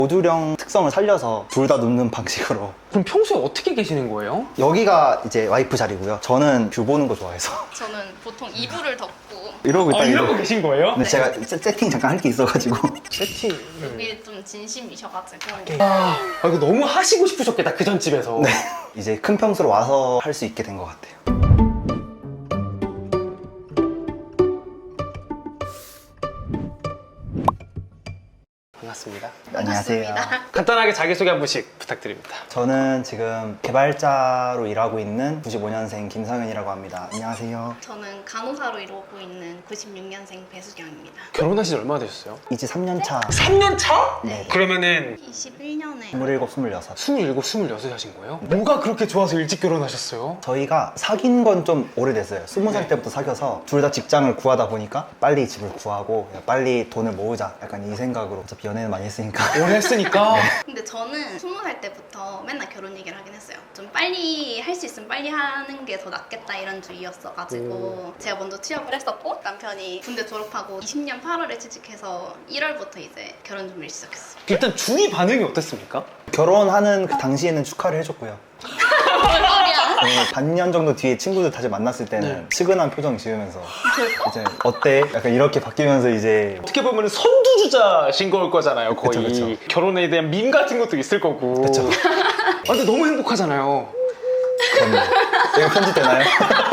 모듈형 특성을 살려서 둘 다 눕는 방식으로. 그럼 평소에 어떻게 계시는 거예요? 여기가 이제 와이프 자리고요. 저는 뷰 보는 거 좋아해서 저는 보통 이불을 덮고 이러고 있다. 이러고 계신 거예요? 근데 제가 세팅 잠깐 할 게 있어가지고. 세팅. 여기 좀 진심이셔가지고 이거 너무 하시고 싶으셨겠다, 그 전 집에서. 네. 이제 큰 평수로 와서 할 수 있게 된 것 같아요. 반갑습니다. 안녕하세요. 반갑습니다. 간단하게 자기소개 한 번씩 부탁드립니다. 저는 지금 개발자로 일하고 있는 95년생 김성현이라고 합니다. 안녕하세요. 저는 간호사로 이루고 있는 96년생 배수경입니다. 결혼하신 지 얼마나 되셨어요? 이제 3년 차. 3년 차? 네. 그러면은 21년에 27, 26. 27, 26 하신 거예요? 뭐가 그렇게 좋아서 일찍 결혼하셨어요? 저희가 사귄 건 좀 오래됐어요. 20살 때부터 사귀어서 둘 다 직장을 구하다 보니까 빨리 집을 구하고 빨리 돈을 모으자. 약간 이 생각으로 어차피 연애는 많이 했으니까. 오래 했으니까. 근데 저는 20살 때부터 맨날 결혼 얘기를 하긴 했어요. 좀 빨리 할 수 있으면 빨리 하는 게 더 낫겠다 이런 주의였어가지고 제가 먼저 취업을 했었고 남편이 군대 졸업하고 20년 8월에 취직해서 1월부터 이제 결혼 준비를 시작했어요. 일단 주위 반응이 어땠습니까? 결혼하는 그 당시에는 축하를 해줬고요. 뭔 소리야? 반년 정도 뒤에 친구들 다시 만났을 때는 측은한 표정 지으면서 이제 어때? 약간 이렇게 바뀌면서 이제 어떻게 보면 선두주자신 걸 거잖아요, 거의. 그쵸, 그쵸. 결혼에 대한 밈 같은 것도 있을 거고. 그쵸. 근데 너무 행복하잖아요. 그럼요. 이거 편집되나요?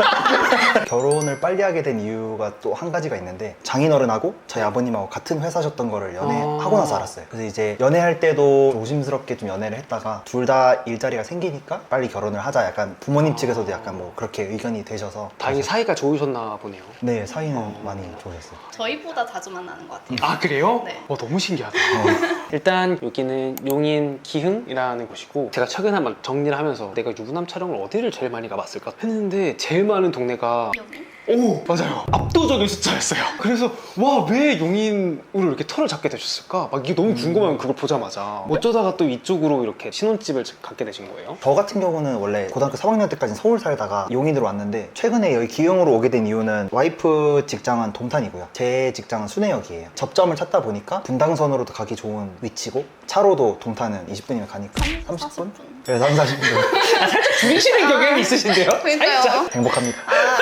결혼을 빨리 하게 된 이유가 또 한 가지가 있는데 장인어른하고 저희 아버님하고 같은 회사셨던 거를 연애하고 나서 알았어요. 그래서 이제 연애할 때도 조심스럽게 좀 연애를 했다가 둘 다 일자리가 생기니까 빨리 결혼을 하자. 약간 부모님 측에서도 약간 뭐 그렇게 의견이 되셔서 다행히 사이가 좋으셨나 보네요. 네, 사이는 많이 좋으셨어요. 저희보다 자주 만나는 것 같아요. 아, 그래요? 네. 너무 신기하다. 일단 여기는 용인 기흥이라는 곳이고 제가 최근에 한번 정리를 하면서 내가 유부남 촬영을 어디를 제일 많이 가봤을까 했는데 제일 많은 동네가 여기? 오, 맞아요. 압도적인 숫자였어요. 그래서 와, 왜 용인으로 이렇게 터를 잡게 되셨을까? 막 이게 너무 궁금하면 그걸 보자마자 어쩌다가 또 이쪽으로 이렇게 신혼집을 갖게 되신 거예요? 저 같은 경우는 원래 고등학교 3학년 때까지 서울 살다가 용인으로 왔는데 최근에 여기 기흥으로 오게 된 이유는 와이프 직장은 동탄이고요. 제 직장은 순회역이에요. 접점을 찾다 보니까 분당선으로도 가기 좋은 위치고 차로도 동탄은 20분이면 가니까 30분? 네, 3, 40분. 줄이시는 경향이 있으신데요? 그러니까요. 살짝? 행복합니다.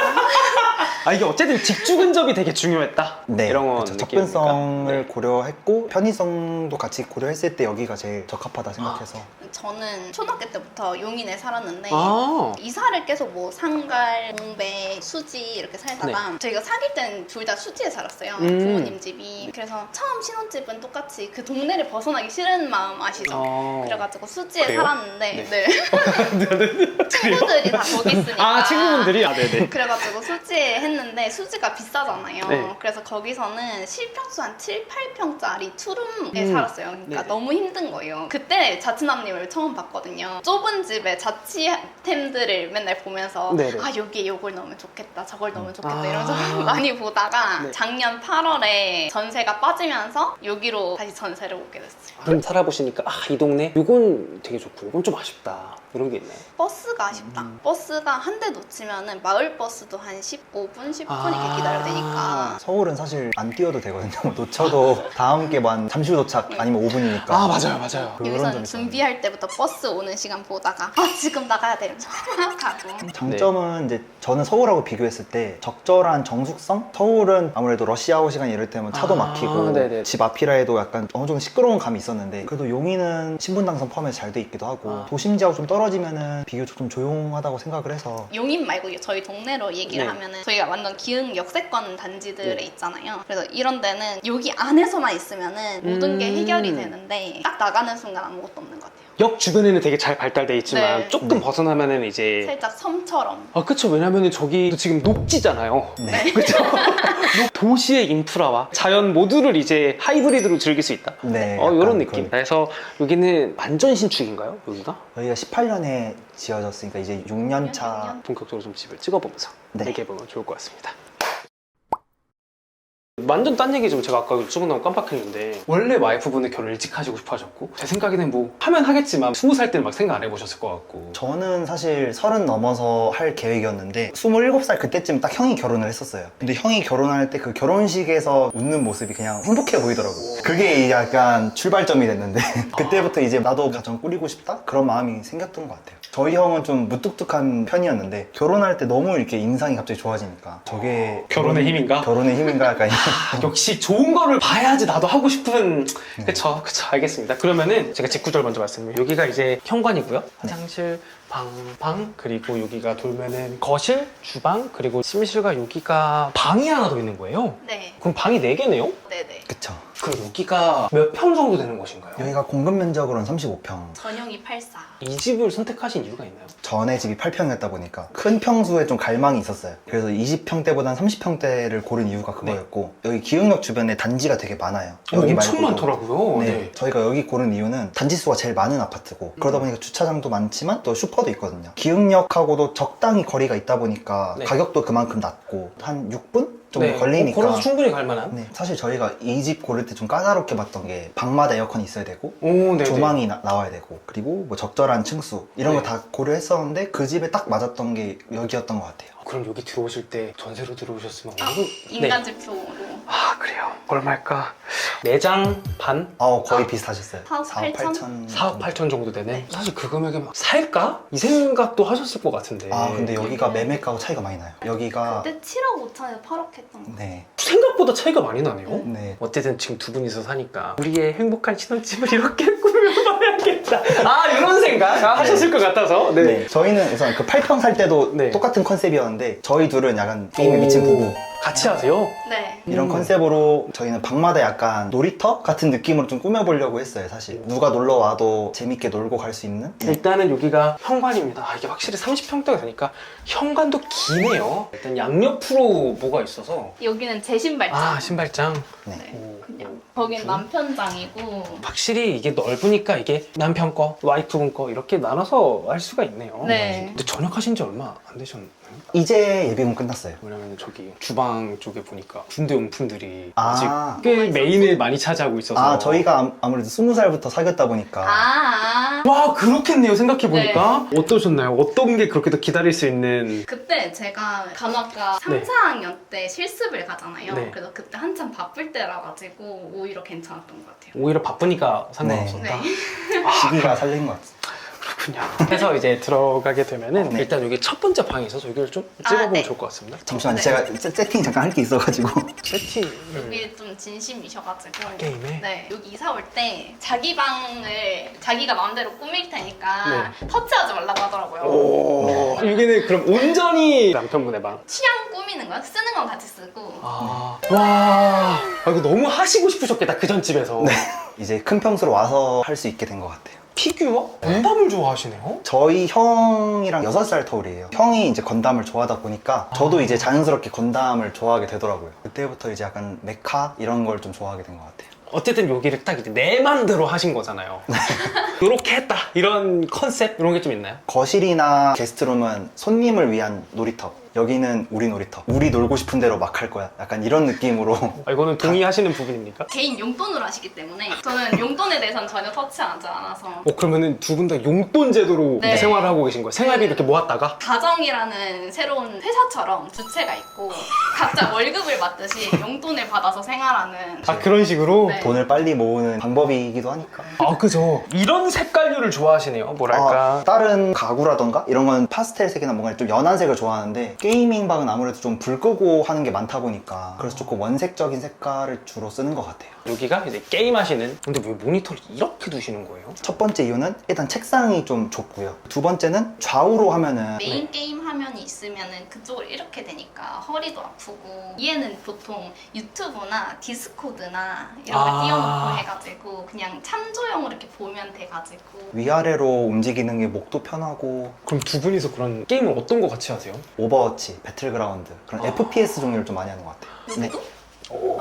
이게 어쨌든 직주 근접이 되게 중요했다. 네, 이런 건 그쵸. 느낌입니까? 접근성을 네. 고려했고 편의성도 같이 고려했을 때 여기가 제일 적합하다 생각해서 저는 초등학교 때부터 용인에 살았는데 아, 이사를 계속 뭐 상갈, 공배, 수지 이렇게 살다가 저희가 사귈 때는 둘 다 수지에 살았어요. 부모님 집이. 그래서 처음 신혼집은 똑같이 그 동네를 벗어나기 싫은 마음 아시죠? 그래가지고 수지에 그래요? 살았는데 네. 네. 친구들이 다 거기 있으니까 친구분들이? 네네. 그래가지고 수지에 했는데 수지가 비싸잖아요. 네. 그래서 거기서는 실평수 한 7, 8평짜리 투룸에 음. 살았어요. 그러니까 네네. 너무 힘든 거예요. 그때 자취남님을 처음 봤거든요. 좁은 집에 자취템들을 맨날 보면서 네네. 아 여기에 이걸 넣으면 좋겠다 저걸 넣으면 좋겠다 아. 이러면서 많이 보다가 네. 작년 8월에 전세가 빠지면서 여기로 다시 전세를 오게 됐어요. 그럼 살아보시니까 이 동네 이건 되게 좋고 이건 좀 아쉽다 이런 게 있나요? 버스가 아쉽다. 버스가 한 대 놓치면은 마을 버스도 한 15분, 10분 이렇게 기다려야 되니까. 서울은 사실 안 뛰어도 되거든요. 놓쳐도 다음 게만 잠시 후 도착 아니면 5분이니까 맞아요. 여기서는 준비할 때부터 버스 오는 시간 보다가 지금 나가야 돼 이러면서 가고. 장점은 이제 저는 서울하고 비교했을 때 적절한 정숙성? 서울은 아무래도 러시아워 시간 이럴 때면 차도 막히고 네네. 집 앞이라 해도 약간 어느 정도 시끄러운 감이 있었는데 그래도 용인은 신분당선 포함해서 잘 돼 있기도 하고 도심지하고 좀 떨어지면은 비교적 좀 조용하다고 생각을 해서 용인 말고 저희 동네로 얘기를 네. 하면은 저희가 완전 기흥 역세권 단지들에 네. 있잖아요. 그래서 이런 데는 여기 안에서만 있으면은 모든 게 해결이 되는데 딱 나가는 순간 아무것도 없는 것 같아요. 역 주변에는 되게 잘 발달돼 있지만 네. 조금 벗어나면은 이제 살짝 섬처럼. 그쵸. 왜냐면은 저기 지금 녹지잖아요. 네. 그쵸. 도시의 인프라와 자연 모두를 이제 하이브리드로 즐길 수 있다. 네, 이런 약간 느낌. 그런- 그래서 여기는 완전 신축인가요? 여기가? 저희가 18년에 지어졌으니까 이제 6년 차 본격적으로 좀 집을 찍어보면서 네. 얘기해보면 좋을 것 같습니다. 완전 딴 얘기 좀 제가 아까 조금 깜빡했는데 원래 와이프분은 결혼 일찍 하시고 싶어 하셨고 제 생각에는 뭐 하면 하겠지만 20살 때는 막 생각 안 해보셨을 것 같고 저는 사실 30 넘어서 할 계획이었는데 27살 그때쯤 딱 형이 결혼을 했었어요. 근데 형이 결혼할 때 그 결혼식에서 웃는 모습이 그냥 행복해 보이더라고요. 그게 약간 출발점이 됐는데 그때부터 이제 나도 가정 꾸리고 싶다? 그런 마음이 생겼던 것 같아요. 저희 형은 좀 무뚝뚝한 편이었는데 결혼할 때 너무 이렇게 인상이 갑자기 좋아지니까 저게 결혼의 힘인가? 결혼의 힘인가 약간 역시 좋은 거를 봐야지 나도 하고 싶은 그쵸 알겠습니다. 그러면은 제가 직구절 먼저 말씀드리면 여기가 이제 현관이고요. 화장실, 방 그리고 여기가 돌면은 거실, 주방 그리고 침실과 여기가 방이 하나 더 있는 거예요. 네. 그럼 방이 4개네요? 네네. 그쵸. 그럼 여기가 몇 평 정도 되는 곳인가요? 여기가 공급 면적으로는 35평. 전용이 84. 이 집을 선택하신 이유가 있나요? 전에 집이 8평이었다 보니까 큰 평수에 좀 갈망이 있었어요. 그래서 20평대보단 30평대를 고른 이유가 그거였고 여기 기흥역 주변에 단지가 되게 많아요. 여기 엄청 말고도. 많더라고요. 네, 저희가 여기 고른 이유는 단지 수가 제일 많은 아파트고 그러다 보니까 주차장도 많지만 또 슈퍼도 있거든요. 기흥역하고도 적당히 거리가 있다 보니까 네. 가격도 그만큼 낮고 한 6분 정도 걸리니까 걸어서 충분히 갈 만한. 네, 사실 저희가 이 집 고를 때 좀 까다롭게 봤던 게 방마다 에어컨이 있어야 되고 오, 네. 조망이 나와야 되고 그리고 뭐 적절한 층수 이런 네. 거 다 고려했었는데 그 집에 딱 맞았던 게 여기였던 것 같아요. 그럼 여기 들어오실 때 전세로 들어오셨으면 아, 얼마- 인간지표로. 아 그래요. 얼마일까? 4장 반? 거의 비슷하셨어요. 4억 8천? 4억 8천 정도 되네. 사실 그 금액에 막 살까? 이 생각도 하셨을 것 같은데. 근데 여기가 매매가하고 차이가 많이 나요. 여기가 그때 7억 5천에서 8억 했던 거. 네, 생각보다 차이가 많이 나네요. 네. 어쨌든 지금 두 분이서 사니까 우리의 행복한 신혼집을 이렇게 꾸며봐야겠다. 이런 생각 하셨을 것 같아서. 네. 저희는 우선 그 8평 살 때도 네. 똑같은 컨셉이었는데 저희 둘은 약간 게임에 미친 부부 같이 하세요? 네. 이런 컨셉으로 저희는 방마다 약간 놀이터 같은 느낌으로 좀 꾸며보려고 했어요. 사실 누가 놀러 와도 재밌게 놀고 갈 수 있는 일단은 여기가 현관입니다. 이게 확실히 30평대가 되니까 현관도 기네요. 일단 양옆으로 뭐가 있어서 여기는 제 신발장. 신발장. 네. 네. 그냥. 거긴 남편장이고. 확실히 이게 넓으니까 이게 남편 거, 와이프분 거 이렇게 나눠서 할 수가 있네요. 네. 근데 전역하신 지 얼마 안 되셨나요? 이제 예비군 끝났어요. 왜냐면 저기 주방 쪽에 보니까 군대 용품들이 아. 아직 꽤 메인을 많이 차지하고 있어서 저희가 아무래도 20살부터 사귀었다 보니까 와 그렇겠네요 생각해보니까 어떠셨나요? 어떤 게 그렇게 더 기다릴 수 있는 그때 제가 간호학과 3, 네. 4학년 때 실습을 가잖아요. 네. 그래서 그때 한참 바쁠 때라 가지고 오히려 괜찮았던 것 같아요. 오히려 바쁘니까 상관없었다. 네. 시기가 살린 것 같아요. 그렇군요. 해서 이제 들어가게 되면은 네. 일단 여기 첫 번째 방에 있어서 여기를 좀 찍어보면 네. 좋을 것 같습니다. 잠시만요. 네. 제가 세팅 잠깐 할 게 있어가지고 세팅을 여기 좀 진심이셔가지고 게임에? 네 여기 이사 올 때 자기 방을 자기가 마음대로 꾸밀 테니까 네. 터치하지 말라고 하더라고요. 오 여기는 그럼 온전히 남편분의 방. 취향 꾸미는 거야? 쓰는 건 같이 쓰고 와 이거 너무 하시고 싶으셨겠다 그 전 집에서. 이제 큰 평수로 와서 할 수 있게 된 것 같아요. 피규어? 건담을 좋아하시네요? 저희 형이랑 6살 터울이에요. 형이 이제 건담을 좋아하다 보니까 저도 이제 자연스럽게 건담을 좋아하게 되더라고요. 그때부터 이제 약간 메카 이런 걸 좀 좋아하게 된 것 같아요. 어쨌든 여기를 딱 이제 내 맘대로 하신 거잖아요. 요렇게 했다 이런 컨셉 이런 게 좀 있나요? 거실이나 게스트룸은 손님을 위한 놀이터. 여기는 우리 놀이터. 우리 놀고 싶은 대로 막 할 거야. 약간 이런 느낌으로. 이거는 동의하시는 부분입니까? 개인 용돈으로 하시기 때문에 저는 용돈에 대해서는 전혀 터치하지 않아서 그러면은 두 분 다 용돈 제도로 네. 생활을 하고 계신 거예요? 생활비 이렇게 모았다가? 가정이라는 새로운 회사처럼 주체가 있고 각자 월급을 받듯이 용돈을 받아서 생활하는 그런 식으로? 네. 돈을 빨리 모으는 방법이기도 하니까. 그죠. 이런 색깔류를 좋아하시네요. 뭐랄까. 다른 가구라던가 이런 건 파스텔 색이나 뭔가 좀 연한 색을 좋아하는데 게이밍 방은 아무래도 좀 불 끄고 하는 게 많다 보니까 그래서 조금 원색적인 색깔을 주로 쓰는 것 같아요. 여기가 이제 게임 하시는. 근데 왜 모니터를 이렇게 두시는 거예요? 첫 번째 이유는 일단 책상이 좀 좁고요. 두 번째는 좌우로 하면은 메인 게임 화면이 있으면은 그쪽을 이렇게 되니까 허리도 아프고 얘는 보통 유튜브나 디스코드나 이런 걸 띄워놓고 해가지고 그냥 참조용으로 이렇게 보면 돼가지고 위아래로 움직이는 게 목도 편하고 그럼 두 분이서 그런 게임을 어떤 거 같이 하세요? 오버워치, 배틀그라운드 그런 FPS 종류를 좀 많이 하는 것 같아요. 네. 여기도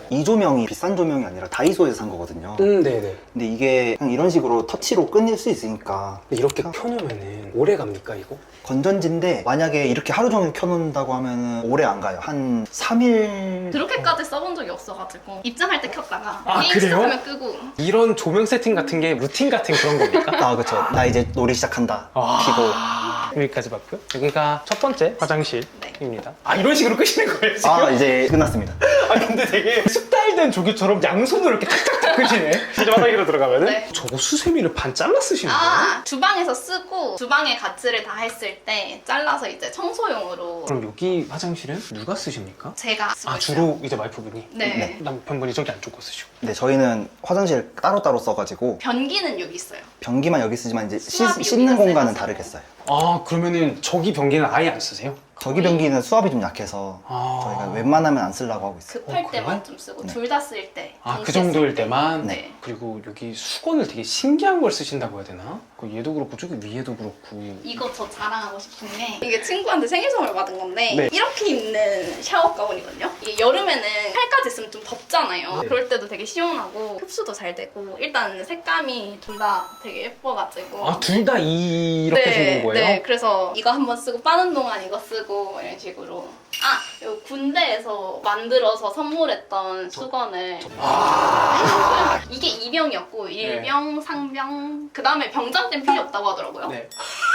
이 조명이 비싼 조명이 아니라 다이소에서 산 거거든요. 네네. 근데 이게 그냥 이런 식으로 터치로 끊을 수 있으니까 이렇게 켜놓으면은 오래 갑니까 이거? 건전지인데 만약에 이렇게 하루 종일 켜놓는다고 하면 오래 안 가요. 한 3일. 그렇게까지 써본 적이 없어가지고 입장할 때 켰다가 아, 게임 그래요? 시작하면 끄고. 이런 조명 세팅 같은 게 루틴 같은 그런 겁니까? 아, 그쵸. 나 이제 놀이 시작한다. 키고. 여기까지 봤고요. 여기가 첫 번째 화장실입니다. 네. 아, 이런 식으로 끄시는 거예요 지금? 아, 이제 끝났습니다. 아, 근데 되게 숙달된 조교처럼 양손으로 이렇게 탁탁탁 끄시네. 이제 화장실로 들어가면은 네. 저거 수세미를 반 잘라 쓰시는 거예요? 아, 주방에서 쓰고 주방의 가치를 다 했을 때 잘라서 이제 청소용으로 그럼 여기 화장실은 누가 쓰십니까? 제가 쓰고 아, 있어요. 주로 이제 와이프분이? 네. 남편분이 저기 안쪽 거 쓰시고. 네, 저희는 화장실 따로따로 써가지고 변기는 여기 있어요. 변기만 여기 쓰지만 이제 수압이 씻는 여기가 공간은 세서. 다르게 써요. 아, 그러면은 저기 변기는 아예 안 쓰세요? 저기 변기는 수압이 좀 약해서 아. 저희가 웬만하면 안 쓰려고 하고 있어요. 급할 어, 때만 그래요? 좀 쓰고 네. 둘 다 쓸 때. 아, 그 동시에 정도일 쓸 때. 때만? 네. 그리고 여기 수건을 되게 신기한 걸 쓰신다고 해야 되나? 그 얘도 그렇고 저기 위에도 그렇고. 이거 저 자랑하고 싶은 게 이게 친구한테 생일 선물 받은 건데 네. 이렇게 입는 샤워 가운이거든요. 이게 여름에는 팔까지 있으면 좀 덥잖아요. 네. 그럴 때도 되게 시원하고 흡수도 잘 되고 일단 색감이 둘 다 되게 예뻐가지고 아, 둘 다 이렇게 생긴 거예요? 네, 그래서 이거 한번 쓰고 빠는 동안 이거 쓰고 이런 식으로. 아, 요 군대에서 만들어서 선물했던 수건을 이게 2병이었고 1병, 상병 그 다음에 병장 때는 필요 없다고 하더라고요. 네.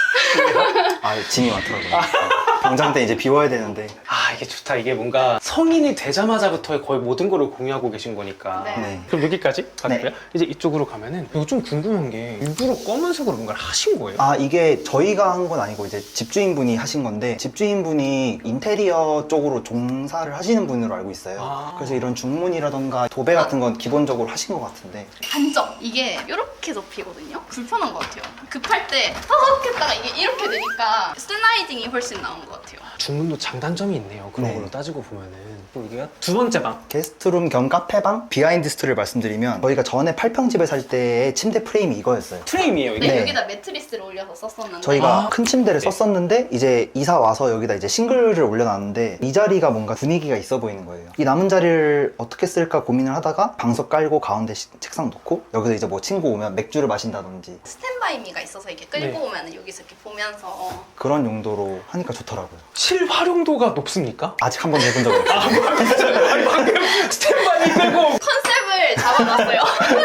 아, 짐이 많더라고요. 병장 때 이제 비워야 되는데. 아, 이게 좋다. 이게 뭔가 성인이 되자마자부터 거의 모든 거를 공유하고 계신 거니까. 네. 네. 그럼 여기까지 갔고요. 네. 이제 이쪽으로 가면은 이거 좀 궁금한 게 일부러 검은색으로 뭔가를 하신 거예요? 아, 이게 저희가 한 건 아니고 이제 집주인분이 하신 건데 집주인분이 인테리어 쪽으로 종사를 하시는 분으로 알고 있어요. 아. 그래서 이런 중문이라던가 도배 같은 건 기본적으로 하신 것 같은데 단점 이게 이렇게 접히거든요. 불편한 것 같아요. 급할 때 헉 했다가 이게 이렇게 되니까 슬라이딩이 훨씬 나은 것 같아요. 중문도 장단점이 있네요. 그런 네. 걸로 따지고 보면은. 그리고 여기가 두 번째 방. 게스트룸 겸 카페방 비하인드 스토리를 말씀드리면 저희가 전에 8평집에 살 때의 침대 프레임이 이거였어요. 프레임이에요, 이게. 네, 네. 여기다 매트리스를 올려서 썼었는데 저희가 아. 큰 침대를 네. 썼었는데 이제 이사 와서 여기다 이제 싱글을 올려놨는데 이 자리가 뭔가 분위기가 있어 보이는 거예요. 이 남은 자리를 어떻게 쓸까 고민을 하다가 방석 깔고 가운데 책상 놓고 여기서 이제 뭐 친구 오면 맥주를 마신다든지 스탠바이미가 있어서 이렇게 끌고 네. 오면 여기서 이렇게 보면서 그런 용도로 하니까 좋더라고요. 실활용도가 높습니까? 아직 한 번도 해본 적은 없어요. 아니, 방금 스탠바이 빼고. 컨셉을 잡아놨어요.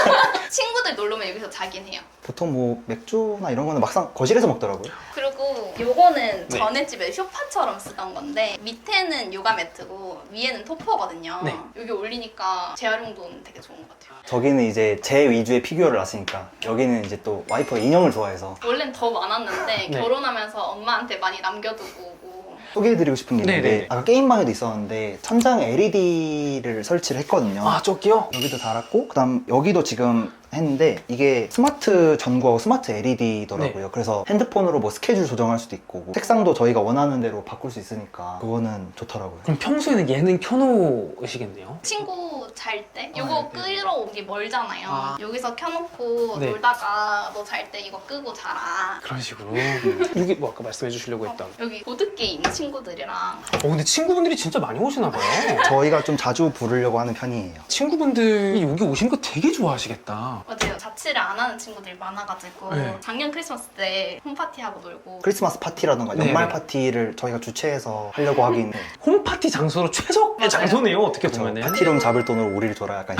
친구들 놀러 오면 여기서 자긴 해요. 보통 뭐 맥주나 이런 거는 막상 거실에서 먹더라고요. 그리고 요거는 네. 전에 집에 쇼파처럼 쓰던 건데 밑에는 요가 매트고 위에는 토퍼거든요. 네. 여기 올리니까 재활용도는 되게 좋은 것 같아요. 저기는 이제 제 위주의 피규어를 놨으니까 여기는 이제 또 와이프가 인형을 좋아해서 원래는 더 많았는데 네. 결혼하면서 엄마한테 많이 남겨두고 오고 소개해드리고 싶은 게 있는데 네네네. 아까 게임방에도 있었는데 천장에 LED를 설치를 했거든요. 아, 저기요? 여기도 달았고 그다음 여기도 지금 했는데 이게 스마트 전구하고 스마트 LED더라고요. 그래서 핸드폰으로 뭐 스케줄 조정할 수도 있고 뭐 색상도 저희가 원하는 대로 바꿀 수 있으니까 그거는 좋더라고요. 그럼 평소에는 얘는 켜놓으시겠네요? 친구 잘 때 아, 요거 네. 끌어오기 멀잖아요. 아. 여기서 켜놓고 네. 놀다가 너 잘 때 이거 끄고 자라. 그런 식으로. 여기 뭐 아까 말씀해 주시려고 했던. 여기 보드게임 친구들이랑 근데 친구분들이 진짜 많이 오시나 봐요. 저희가 좀 자주 부르려고 하는 편이에요. 친구분들이 여기 오신 거 되게 좋아하시겠다. 맞아요. 자취를 안 하는 친구들이 많아가지고 네. 작년 크리스마스 때 홈파티하고 놀고 크리스마스 파티라던가 네, 연말 네. 파티를 저희가 주최해서 하려고 하긴 해요. 홈파티 장소로 최적의 맞아요. 장소네요, 어떻게 저 보면은. 파티룸 잡을 돈으로 우리를 줘라 약간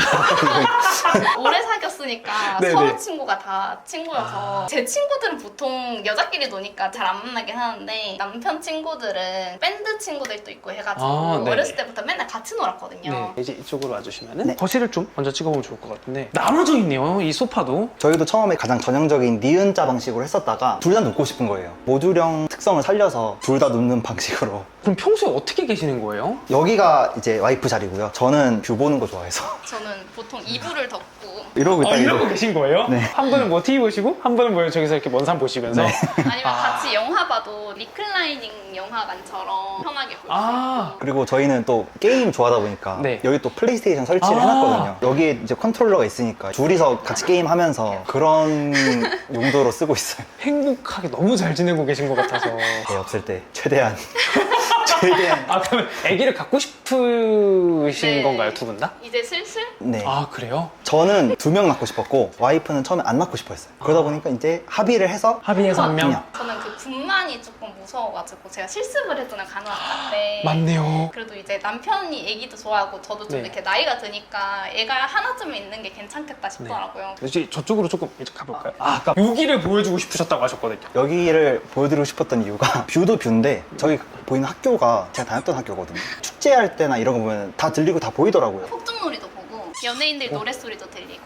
오래 사귀었으니까 네네. 서로 친구가 다 친구여서 제 친구들은 보통 여자끼리 노니까 잘 안 만나긴 하는데 남편 친구들은 밴드 친구들도 있고 해가지고 아, 네네. 어렸을 때부터 맨날 같이 놀았거든요. 네, 이제 이쪽으로 와주시면은 네. 거실을 좀 먼저 찍어보면 좋을 것 같은데 나눠져 있네요, 이 소파도. 저희도 처음에 가장 전형적인 니은자 방식으로 했었다가 둘 다 눕고 싶은 거예요. 모듈형 특성을 살려서 둘 다 눕는 방식으로. 그럼 평소에 어떻게 계시는 거예요? 여기가 이제 와이프 자리고요. 저는 뷰 보는 거 좋아해서 저는 보통 이불을 덮고 이러고 있다 이러고 계신 거예요? 네. 한 분은 뭐 TV 보시고 한 분은 뭐 저기서 이렇게 먼 산 보시면서. 네. 아니면 아. 같이 영화 봐도 리클라이닝 영화관처럼 편하게 볼 수 아, 있고 그리고 저희는 또 게임 좋아하다 보니까 네. 여기 또 플레이스테이션 설치를 아. 해놨거든요. 여기에 이제 컨트롤러가 있으니까 둘이서 같이 게임하면서 그런 용도로 쓰고 있어요. 행복하게 너무 잘 지내고 계신 것 같아서. 애 없을 때 최대한 되게 아 그러면 아기를 갖고 싶으신 네. 건가요, 두 분 다? 이제 슬슬 네. 아 그래요? 저는 2명 낳고 싶었고 와이프는 처음에 안 낳고 싶어 했어요. 그러다 보니까 이제 합의를 해서 합의해서 한 명? 그냥. 저는 그 분만이 조금 무서워가지고 제가 실습을 했잖아요, 간호학과 때. 맞네요. 그래도 이제 남편이 애기도 좋아하고 저도 좀 네. 이렇게 나이가 드니까 애가 하나쯤은 있는 게 괜찮겠다 싶더라고요. 이제 저쪽으로 조금 이제 가볼까요? 아, 아까 여기를 보여주고 싶으셨다고 하셨거든요. 여기를 보여드리고 싶었던 이유가 뷰도 뷰인데 저기 보이는 학교가 제가 다녔던 학교거든요. 축제할 때나 이런 거 보면 다 들리고 다 보이더라고요. 폭죽놀이도 보고 연예인들 노랫소리도 들리고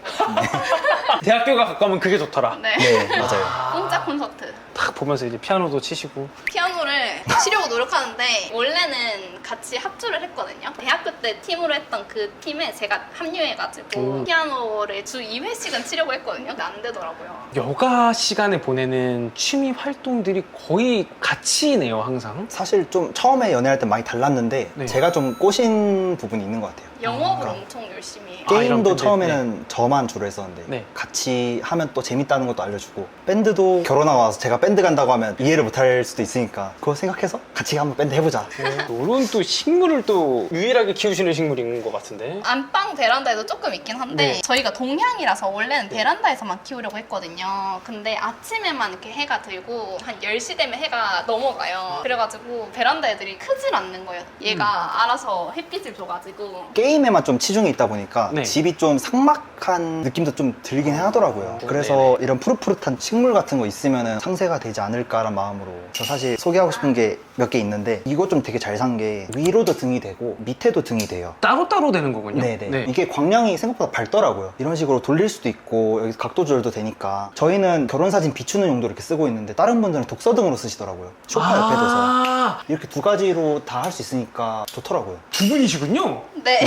대학교가 가까우면 그게 좋더라. 네. 네, 맞아요. 공짜 콘서트. 딱 보면서 이제 피아노도 치시고. 피아노를 치려고 노력하는데 원래는 같이 합주를 했거든요. 대학교 때 팀으로 했던 그 팀에 제가 합류해가지고 피아노를 주 2회씩은 치려고 했거든요. 근데 안 되더라고요. 여가 시간에 보내는 취미 활동들이 거의 같이네요, 항상. 사실 좀 처음에 연애할 때 많이 달랐는데 네. 제가 좀 꼬신 부분이 있는 것 같아요. 영업을 엄청 열심히 해요. 이런 게임도 밴드, 처음에는 저만 주로 했었는데 네. 같이 하면 또 재밌다는 것도 알려주고 밴드도 결혼하고 와서 제가 밴드 간다고 하면 이해를 못할 수도 있으니까 그거 생각해서 같이 한번 밴드 해보자. 이런 또 식물을 또 유일하게 키우시는 식물인 것 같은데. 안방 베란다에도 조금 있긴 한데 네. 저희가 동향이라서 원래는 베란다에서만 키우려고 했거든요. 근데 아침에만 이렇게 해가 들고 한 10시 되면 해가 넘어가요. 그래가지고 베란다 애들이 크질 않는 거예요. 얘가 알아서 햇빛을 줘가지고 게임에만 좀 치중해 있다 보니까 네. 집이 좀 삭막한 느낌도 좀 들긴 하더라고요. 그래서 이런 푸릇푸릇한 식물 같은 거 있으면 상세가 되지 않을까라는 마음으로 저 사실 소개하고 싶은 게 몇 개 있는데 이거 좀 되게 잘 산 게 위로도 등이 되고 밑에도 등이 돼요. 따로따로 되는 거군요. 네네. 이게 광량이 생각보다 밝더라고요. 이런 식으로 돌릴 수도 있고 여기 각도 조절도 되니까 저희는 결혼사진 비추는 용도로 이렇게 쓰고 있는데 다른 분들은 독서등으로 쓰시더라고요. 소파 옆에 둬서 아, 이렇게 두 가지로 다 할 수 있으니까 좋더라고요. 두 분이시군요. 네.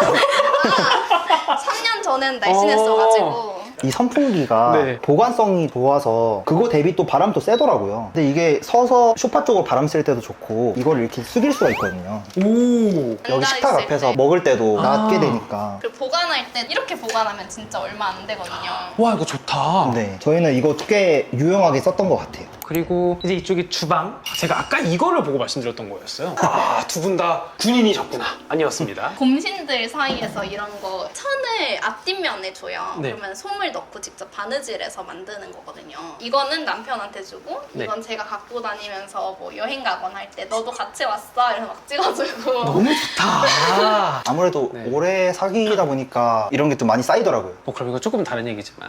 3년 전엔 날씬했어가지고 이 선풍기가 네. 보관성이 좋아서 그거 대비 또 바람도 세더라고요. 근데 이게 서서 소파 쪽으로 바람 쐴 때도 좋고 이걸 이렇게 숙일 수가 있거든요. 오. 여기 식탁 앉아있을 앞에서 때. 먹을 때도 아. 낮게 되니까. 그리고 보관할 때 이렇게 보관하면 진짜 얼마 안 되거든요. 와, 이거 좋다. 네, 저희는 이거 꽤 유용하게 썼던 것 같아요. 그리고 이제 이쪽이 주방. 제가 아까 이거를 보고 말씀드렸던 거였어요. 아, 두 분 다 군인이셨구나. 아니었습니다. 곰신들 사이에서 이런 거 천을 앞뒷면에 줘요. 네. 그러면 솜을 넣고 직접 바느질해서 만드는 거거든요. 이거는 남편한테 주고 네. 이건 제가 갖고 다니면서 뭐 여행 가거나 할 때 너도 같이 왔어? 이래서 막 찍어주고 너무 좋다. 아무래도 네. 오래 사귀다 보니까 이런 게 좀 많이 쌓이더라고요. 뭐 그럼 이거 조금 다른 얘기지만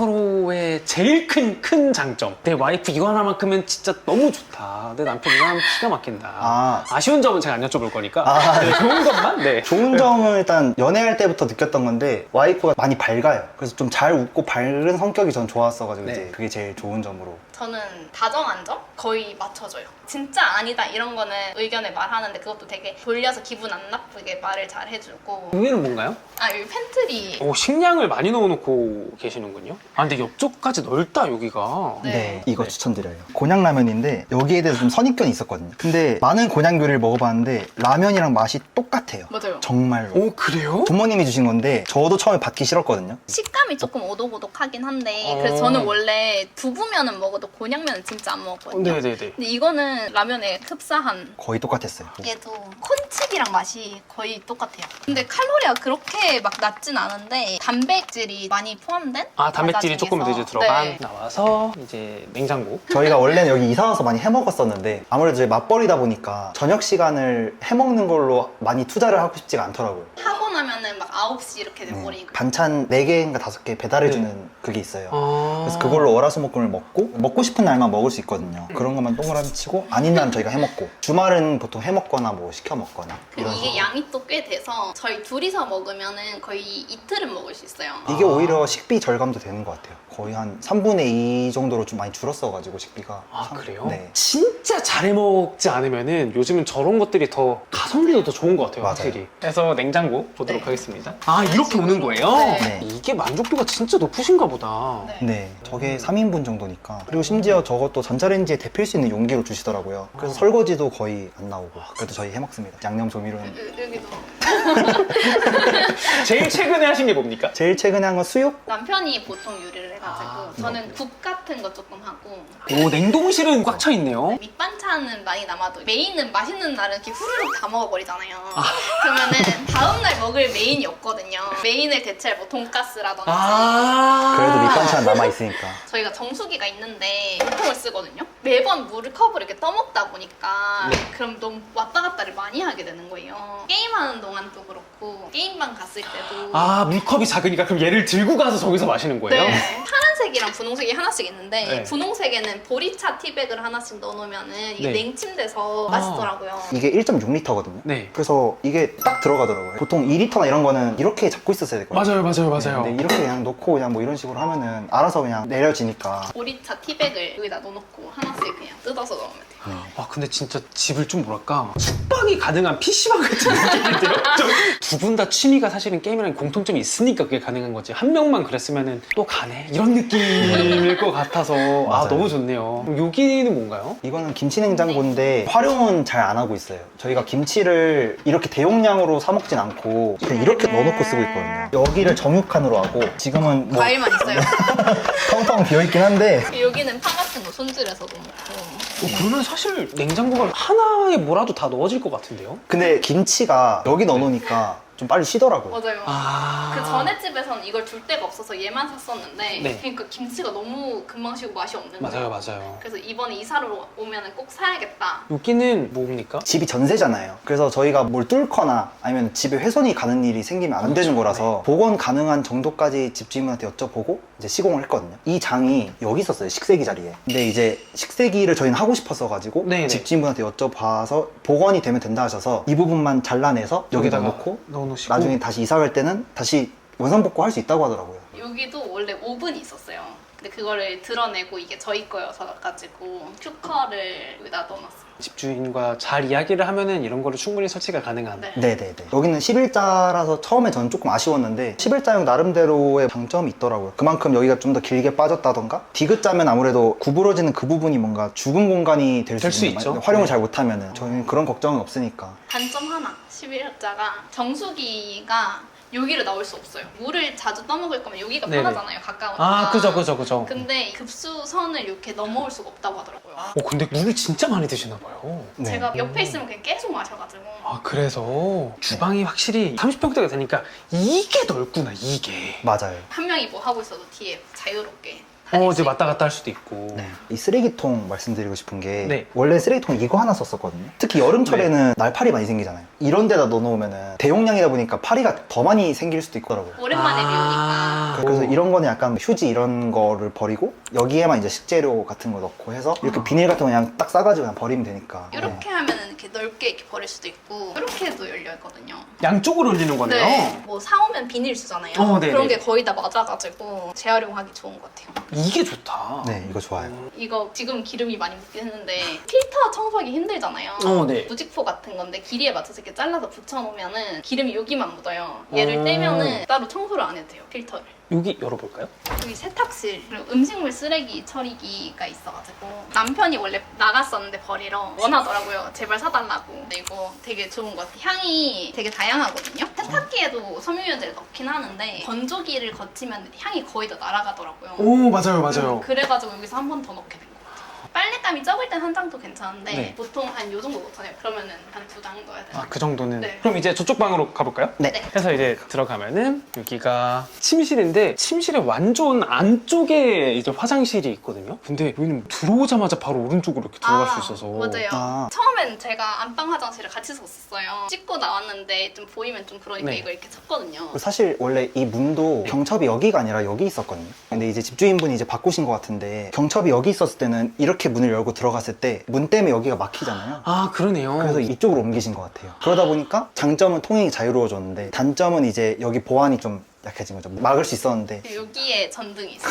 서로의 제일 큰 장점. 내 와이프 이거 하나만큼은 진짜 너무 좋다. 내 남편 이거 하면 기가 막힌다. 아쉬운 점은 제가 안 여쭤볼 거니까. 아, 네, 좋은 것만. 네. 좋은 점은 일단 연애할 때부터 느꼈던 건데 와이프가 많이 밝아요. 그래서 좀 잘 웃고 밝은 성격이 전 좋았어가지고 네. 이제 그게 제일 좋은 점으로. 저는 다정한 점 거의 맞춰줘요. 진짜 아니다 이런 거는 의견을 말하는데 그것도 되게 돌려서 기분 안 나쁘게 말을 잘 해주고 여기는 뭔가요? 아 여기 팬트리 오, 식량을 많이 넣어놓고 계시는군요. 아, 근데 옆쪽까지 넓다, 여기가. 네. 이거 네. 추천드려요. 곤약라면인데 여기에 대해서 좀 선입견이 있었거든요. 근데 많은 곤약 요리를 먹어봤는데 라면이랑 맛이 똑같아요. 맞아요. 정말로. 오, 그래요? 부모님이 주신 건데 저도 처음에 받기 싫었거든요. 식감이 조금 오독오독하긴 한데 어. 그래서 저는 원래 두부면은 먹어도 곤약면은 진짜 안 먹었거든요. 네네네. 근데 이거는 라면에 흡사한 거의 똑같았어요. 얘도 콘칩이랑 맛이 거의 똑같아요. 근데 칼로리가 그렇게 막 낮진 않은데 단백질이 많이 포함된 아, 단백질이 과자 조금 더 중에서. 이제 들어간. 네. 나와서 이제 냉장고. 저희가 원래는 여기 이사 와서 많이 해먹었었는데 아무래도 이제 맞벌이다 보니까 저녁 시간을 해먹는 걸로 많이 투자를 하고 싶지가 않더라고요. 하고 나면은 막 9시 이렇게 네. 돼버리고 반찬 4개인가 5개 배달해주는 그게 있어요. 아. 그래서 그걸로 월화수목금을 먹고 싶은 날만 먹을 수 있거든요. 그런 것만 동그라미 치고 아닌 날은 저희가 해먹고 주말은 보통 해먹거나 뭐 시켜 먹거나 그리고 이런 이게 식으로. 양이 또 꽤 돼서 저희 둘이서 먹으면은 거의 이틀은 먹을 수 있어요. 이게 오히려 식비 절감도 되는 것 같아요. 거의 한 3분의 2 정도로 좀 많이 줄었어가지고 식비가. 아, 그래요? 네. 진짜 잘 해먹지 않으면은 요즘은 저런 것들이 더 가성비도 더 좋은 것 같아요, 맞아요. 확실히. 그래서 냉장고 보도록 네. 하겠습니다. 아, 이렇게 오는 거예요? 네. 네. 이게 만족도가 진짜 높으신가 보다. 네. 네, 저게 3인분 정도니까. 그리고 심지어 저것도 전자레인지에 데필 수 있는 용기로 주시더라고요. 그래서 설거지도 거의 안 나오고. 그래도 저희 해먹습니다. 양념 조미료는. 여기도 제일 최근에 하신 게 뭡니까? 제일 최근에 한 건 수육? 남편이 보통 요리를 해가지고 저는 국 같은 거 조금 하고 오, 냉동실은 꽉 차 있네요. 밑반찬은 많이 남아도 메인은 맛있는 날은 이렇게 후루룩 다 먹어버리잖아요. 그러면은 다음날 먹을 메인이 없거든요. 메인을 대체할 뭐 돈가스라든지 그래도 밑반찬 남아있으니까. 저희가 정수기가 있는데 물통을 쓰거든요. 매번 물을 컵으로 이렇게 떠먹다 보니까 그럼 너무 왔다 갔다를 많이 하게 되는 거예요. 게임하는 동안도 그렇고 게임방 갔을 때도 물컵이 작으니까 그럼 얘를 들고 가서 저기서 마시는 거예요? 네. 파란색이랑 분홍색이 하나씩 있는데 네. 분홍색에는 보리차 티백을 하나씩 넣어놓으면은 이게 네. 냉침돼서 맛있더라고요. 이게 1.6리터거든요. 네. 그래서 이게 딱 들어가더라고요. 보통 2리터나 이런 거는 이렇게 잡고 있었어야 되거든요. 맞아요. 근데 이렇게 그냥 놓고 그냥 뭐 이런 식으로 하면은 알아서 그냥 내려지니까. 보리차 티백을 여기다 넣어놓고 하나씩 그냥 뜯어서 넣으면 돼요. 근데 진짜 집을 좀 뭐랄까 숙박이 가능한 PC방 같은 느낌인데요? 두 분 다 취미가 사실은 게임이랑 공통점이 있으니까 그게 가능한 거지 한 명만 그랬으면은 또 가네 이런 느낌일 것 같아서 맞아요. 너무 좋네요. 그럼 여기는 뭔가요? 이거는 김치 냉장고인데 활용은 잘 안 하고 있어요. 저희가 김치를 이렇게 대용량으로 사 먹진 않고 그냥 이렇게 넣어놓고 쓰고 있거든요. 여기를 정육칸으로 하고 지금은 뭐 과일만 있어요. 텅텅 비어있긴 한데 여기는 파 같은 거 손질해서 넣고 그러면 사실 냉장고가 하나에 뭐라도 다 넣어질 것 같은데요? 근데 김치가 여기 넣어놓으니까 좀 빨리 쉬더라고요. 맞아요. 그 전에 집에서는 이걸 둘 데가 없어서 얘만 샀었는데 네. 그러니까 김치가 너무 금방 식고 맛이 없는 거예요. 맞아요. 그래서 이번에 이사를 오면 꼭 사야겠다. 여기는 뭡니까? 집이 전세잖아요. 그래서 저희가 뭘 뚫거나 아니면 집에 훼손이 가는 일이 생기면 안 되는 거라서 복원 가능한 정도까지 집주인분한테 여쭤보고 이제 시공을 했거든요. 이 장이 여기 있었어요. 식세기 자리에. 근데 이제 식세기를 저희는 하고 싶었어 가지고 네네. 집주인분한테 여쭤봐서 복원이 되면 된다 하셔서 이 부분만 잘라내서 여기다 넣고 넣어놓으시고 나중에 다시 이사 갈 때는 다시 원상복구 할 수 있다고 하더라고요. 여기도 원래 오븐이 있었어요. 근데 그거를 드러내고 이게 저희 거여서 가지고 큐커를 여기다 넣어놨어요. 집주인과 잘 이야기를 하면은 이런 거를 충분히 설치가 가능한 네. 네네네. 여기는 11자라서 처음에 저는 조금 아쉬웠는데 11자용 나름대로의 장점이 있더라고요. 그만큼 여기가 좀 더 길게 빠졌다던가 디귿자면 아무래도 구부러지는 그 부분이 뭔가 죽은 공간이 될 될 수 수 있는 있죠. 활용을 네. 잘 못하면은 저희는 그런 걱정은 없으니까. 단점 하나 11자가 정수기가 여기를 나올 수 없어요. 물을 자주 떠먹을 거면 여기가 네네. 편하잖아요. 가까우니까. 그죠. 근데 급수선을 이렇게 넘어올 수가 없다고 하더라고요. 근데 물을 진짜 많이 드시나 봐요. 네. 제가 옆에 있으면 그냥 계속 마셔가지고 그래서 주방이 확실히 30평대가 되니까 이게 넓구나, 이게. 맞아요. 한 명이 뭐 하고 있어도 뒤에 자유롭게 이제 왔다 갔다 할 수도 있고. 네. 이 쓰레기통 말씀드리고 싶은 게 네. 원래 쓰레기통 이거 하나 썼었거든요. 특히 여름철에는 날파리 많이 생기잖아요. 이런 데다 넣어놓으면 대용량이다 보니까 파리가 더 많이 생길 수도 있더라고요. 오랜만에 비우니까 그래서 이런 거는 약간 휴지 이런 거를 버리고 여기에만 이제 식재료 같은 거 넣고 해서 이렇게 비닐 같은 거 그냥 딱 싸가지고 그냥 버리면 되니까. 이렇게 하면은 이렇게 넓게 이렇게 버릴 수도 있고 이렇게 해도 열려 있거든요. 양쪽으로 올리는 거네요. 네. 뭐 사오면 비닐 주잖아요. 네네. 그런 게 거의 다 맞아가지고 재활용하기 좋은 것 같아요. 이게 좋다. 네, 이거 좋아요. 이거 지금 기름이 많이 묻긴 했는데 필터 청소하기 힘들잖아요. 네. 무직포 같은 건데 길이에 맞춰서 이렇게 잘라서 붙여놓으면은 기름이 여기만 묻어요. 얘를 떼면은 따로 청소를 안 해도 돼요. 필터를. 여기 열어볼까요? 여기 세탁실 그리고 음식물 쓰레기 처리기가 있어가지고 남편이 원래 나갔었는데 버리러 원하더라고요. 제발 사달라고. 근데 이거 되게 좋은 것 같아요. 향이 되게 다양하거든요. 세탁기에도 섬유유연제를 넣긴 하는데 건조기를 거치면 향이 거의 다 날아가더라고요. 오, 맞아요. 그래가지고 여기서 한 번 더 넣게 된 것 같아요. 빨랫감이 적을 땐 한 장도 괜찮은데 네. 보통 한 요 정도 넣잖아요. 그러면은 한 2장 넣어야 돼요. 그 정도는. 네. 그럼 이제 저쪽 방으로 가볼까요? 네. 네. 해서 이제 들어가면은 여기가 침실인데 침실의 완전 안쪽에 이제 화장실이 있거든요. 근데 여기는 들어오자마자 바로 오른쪽으로 이렇게 들어갈 수 있어서. 맞아요. 아. 처음엔 제가 안방 화장실을 같이 썼었어요. 씻고 나왔는데 좀 보이면 좀 그러니까 네. 이걸 이렇게 쳤거든요. 사실 원래 이 문도 경첩이 여기가 아니라 여기 있었거든요. 근데 이제 집주인분이 이제 바꾸신 것 같은데 경첩이 여기 있었을 때는 이렇게 문을 열고 들어갔을 때 문 때문에 여기가 막히잖아요. 그러네요. 그래서 이쪽으로 옮기신 것 같아요. 그러다 보니까 장점은 통행이 자유로워졌는데 단점은 이제 여기 보안이 좀 약해진 거죠. 막을 수 있었는데 여기에 전등이 있어요.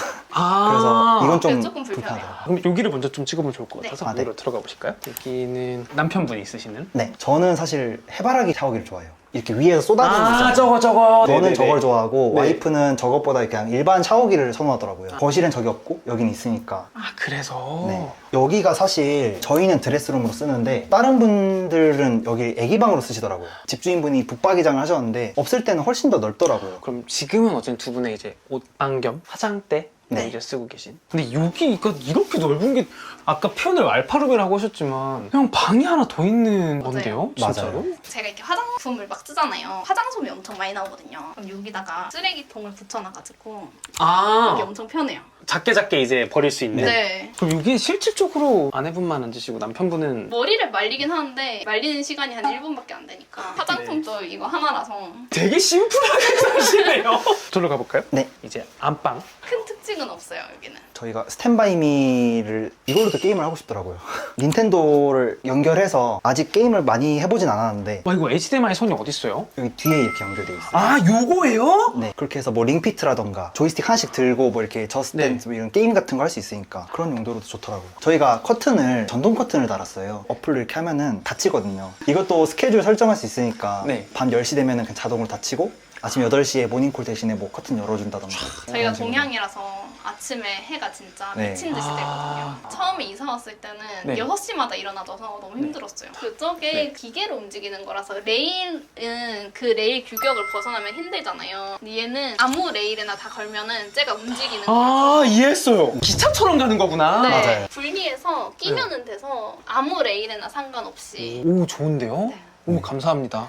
그래서 이건 좀 조금 불편해요. 불편하더라고요. 그럼 여기를 먼저 좀 찍어보면 좋을 것 네. 같아서 네. 안으로 들어가 보실까요? 여기는 남편분이 있으시는? 네, 저는 사실 해바라기 샤워기를 좋아해요. 이렇게 위에서 쏟아지는 거 있잖아요. 저거. 저는 네네네. 저걸 좋아하고 네. 와이프는 저것보다 그냥 일반 샤워기를 선호하더라고요. 거실엔 저기 없고 여긴 있으니까. 아, 그래서. 네. 여기가 사실 저희는 드레스룸으로 쓰는데 다른 분들은 여기 애기방으로 쓰시더라고요. 집주인분이 북박이장을 하셨는데 없을 때는 훨씬 더 넓더라고요. 그럼 지금은 어쨌든 두 분의 이제 옷방 겸 화장대 네. 이제 쓰고 계신. 근데 여기가 이렇게 넓은 게 아까 표현을 알파룸이라고 하셨지만 그냥 방이 하나 더 있는 건데요? 맞아요. 진짜로? 제가 이렇게 화장품을 막 쓰잖아요. 화장솜이 엄청 많이 나오거든요. 그럼 여기다가 쓰레기통을 붙여놔가지고 아, 이게 엄청 편해요. 작게 이제 버릴 수 있는. 네. 그럼 이게 실질적으로 아내분만 앉으시고 남편분은 머리를 말리긴 하는데 말리는 시간이 한 1분밖에 안 되니까 화장품도 이거 하나라서 되게 심플하게 사시네요. 저로 가볼까요? 네. 이제 안방. 큰 특징은 없어요, 여기는. 저희가 스탠바이미를 이걸로도 게임을 하고 싶더라고요. 닌텐도를 연결해서 아직 게임을 많이 해보진 않았는데 와, 이거 HDMI 선이 어딨어요? 여기 뒤에 이렇게 연결돼 있어요. 아, 요거예요? 네, 그렇게 해서 뭐 링피트라던가 조이스틱 하나씩 들고 뭐 이렇게 저스트댄스 뭐 이런 게임 같은 거 할 수 있으니까 그런 용도로도 좋더라고요. 저희가 커튼을 전동 커튼을 달았어요. 어플로 이렇게 하면은 닫히거든요. 이것도 스케줄 설정할 수 있으니까 네. 밤 10시 되면은 그냥 자동으로 닫히고 아침 8시에 모닝콜 대신에 뭐 커튼 열어준다던가 저희가 그런 식으로. 동양이라서 아침에 해가 진짜 네. 미친 듯이 아. 되거든요. 처음에 이사 왔을 때는 네. 6시마다 일어나줘서 너무 힘들었어요. 그쪽에 네. 기계로 움직이는 거라서 레일은 그 레일 규격을 벗어나면 힘들잖아요. 근데 얘는 아무 레일에나 다 걸면은 쟤가 움직이는 거라서 아, 이해했어요. 기차처럼 가는 거구나. 네, 맞아요. 분리해서 끼면은 돼서 아무 레일에나 상관없이 오, 좋은데요? 네. 오, 감사합니다.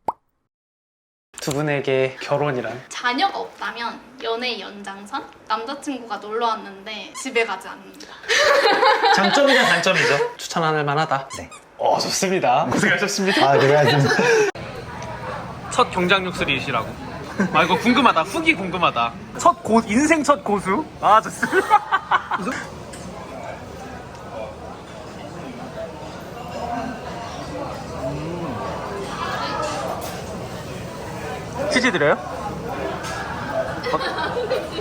두 분에게 결혼이란? 자녀가 없다면 연애 연장선? 남자친구가 놀러 왔는데 집에 가지 않는다. 장점이자 단점이죠. 추천할 만하다. 네. 좋습니다. 고생하셨습니다. 아, 그래가지고 첫 경장육술이시라고. 아, 이거 궁금하다. 후기 궁금하다. 인생 첫 고수? 아, 좋습니다. 치즈 드려요?